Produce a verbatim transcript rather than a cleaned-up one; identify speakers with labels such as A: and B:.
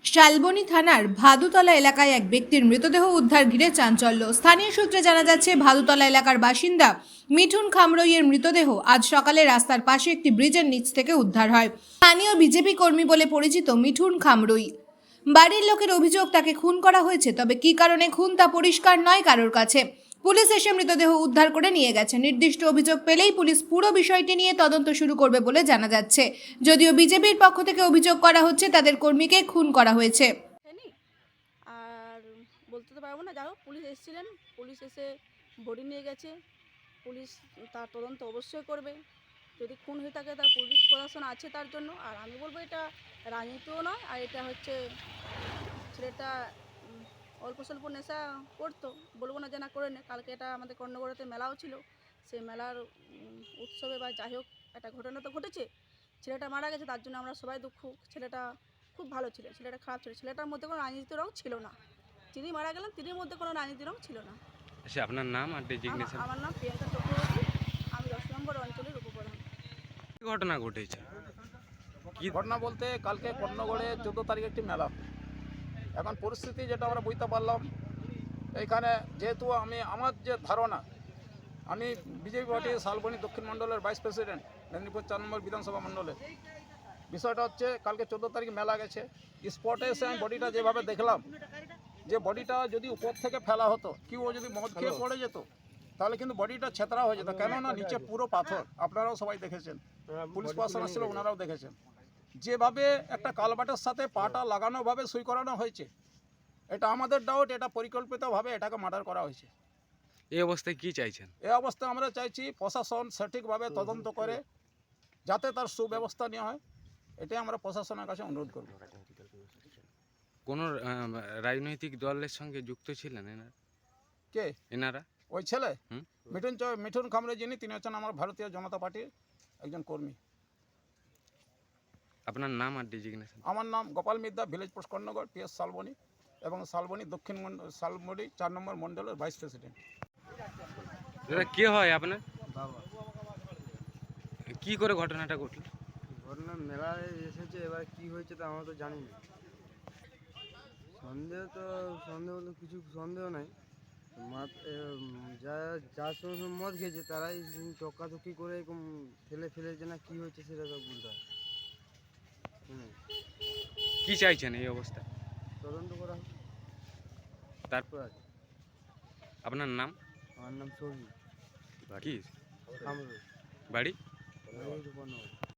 A: শালবনী থানার ভাদুতলা এলাকায় এক ব্যক্তির মৃতদেহ উদ্ধার ঘিরে চাঞ্চল্য। স্থানীয় সূত্রে জানা যাচ্ছে, ভাদুতলা এলাকার বাসিন্দা মিঠুন খামরইয়ের মৃতদেহ আজ সকালে রাস্তার পাশে একটি ব্রিজের নিচ থেকে উদ্ধার হয়। স্থানীয় বিজেপি কর্মী বলে পরিচিত মিঠুন খামরই। বাড়ির লোকের অভিযোগ তাকে খুন করা হয়েছে, তবে কী কারণে খুন তা পরিষ্কার নয় কারোর কাছে। পুলিশ এসে মৃতদেহ উদ্ধার করে নিয়ে গেছে। নির্দিষ্ট অভিযোগ পেলেই পুলিশ পুরো বিষয়টি নিয়ে তদন্ত শুরু করবে বলে জানা যাচ্ছে। যদিও বিজেপির পক্ষ থেকে অভিযোগ করা হচ্ছে তাদের কর্মীকে খুন করা হয়েছে।
B: হয়নি। আর বলতে তো পারবো না, যাই হোক পুলিশ এসেছিলেন, পুলিশ এসে বডি নিয়ে গেছে। পুলিশ তার তদন্ত অবশ্যই করবে। যদি খুন হয়ে থাকে তার পুলিশ প্রশাসন আছে তার জন্য। আর আমি বলবো এটা রাজনীতিও নয়, আর এটা হচ্ছে ছেলেটা উম, অল্প স্বল্প নেশা করতো, বলবো না যে না করে নে। কালকে এটা আমাদের কর্ণগড়াতে মেলাও ছিল, সেই মেলার উম, উৎসবে বা যাই হোক একটা ঘটনা তো ঘটেছে। ছেলেটা মারা গেছে, তার জন্য আমরা সবাই দুঃখ। ছেলেটা খুব ভালো ছিল, ছেলেটা খারাপ ছিল, ছেলেটার মধ্যে কোনো রাজনীতি রং ছিল না। তিনি মারা গেলেন, তিনির মধ্যে কোনো রাজনীতি রং ছিল না।
C: আচ্ছা, আপনার নাম আর ডেজিগনেশন?
B: আমার নাম প্রিয়াঙ্কা চক্রবর্তী, আমি দশ নম্বর অঞ্চলের উপপ্রধান।
C: কি ঘটনা ঘটেছে?
D: কি ঘটনা বলতে, কালকে কর্ণগড়ে চোদ্দো তারিখ একটি মেলা। এখন পরিস্থিতি যেটা আমরা বুঝতে পারলাম, এইখানে যেহেতু আমি আমার যে ধারণা, আমি বিজেপি পার্টি শালবনী দক্ষিণ মণ্ডলের ভাইস প্রেসিডেন্ট, মেদিনীপুর চার নম্বর বিধানসভা মণ্ডলের। বিষয়টা হচ্ছে, কালকে চোদ্দো তারিখ মেলা গেছে, স্পটে এসে আমি বডিটা যেভাবে দেখলাম, যে বডিটা যদি উপর থেকে ফেলা হতো, কেউ যদি মদ খেয়ে পড়ে যেত, তাহলে কিন্তু বডিটা ছেতরা হয়ে যেত। কেননা নিচে পুরো পাথর, আপনারাও সবাই দেখেছেন, পুলিশ প্রশাসন আসছিল, ওনারাও দেখেছেন। যেভাবে একটা কালবাটের সাথে পাটা লাগানোভাবে সই করানো হয়েছে, এটা আমাদের ডাউট, এটা পরিকল্পিতভাবে এটাকে মার্ডার করা হয়েছে।
C: এই অবস্থায় কি চাইছেন?
D: এই অবস্থায় আমরা চাইছি প্রশাসন সঠিকভাবে তদন্ত করে যাতে তার সুব্যবস্থা নেওয়া হয়, এটাই আমরা প্রশাসনের কাছে অনুরোধ করব।
C: কোন রাজনৈতিক দলের সঙ্গে যুক্ত ছিলেন এনারা?
D: কে
C: এনারা?
D: ওই ছেলে
C: হুম।
D: মিঠুন চ- মিঠুন খামরে, যিনি তিনি হচ্ছেন আমার ভারতীয় জনতা পার্টির একজন কর্মী।
C: আপনার নাম আর ডেজিগনেশন?
D: আমার নাম Gopal Midya, village post Karnagarh, PS Salboni এবং শালবনী দক্ষিণ মন্ডল শালবনী চার নম্বর মণ্ডলের ভাইস প্রেসিডেন্ট।
C: দাদা, কে হয় আপনার?
E: বাবা।
C: কি করে ঘটনাটা ঘটল?
E: ঘটনা মেলায় এসেছে, এবার কি হয়েছে তা আমরা তো জানি না। সন্দেহ তো সন্দেহ তো কিছু সন্দেহ নাই। মাত- এ, উম, যা যার সঙ্গে সঙ্গে মদ খেয়েছে তারাই চক্কাচক্কি করে এরকম ফেলে ফেলেছে, না কি হয়েছে সেটা তো বলতে হয়। হুম,
C: কি চাইছেন এই অবস্থা?
E: তদন্ত করা হোক।
C: তারপর
E: আছে।
C: আপনার নাম?
E: আমার নাম সহি
C: কি
E: খামরুল।
C: বাড়ি?
E: বাড়ি রূপনগর।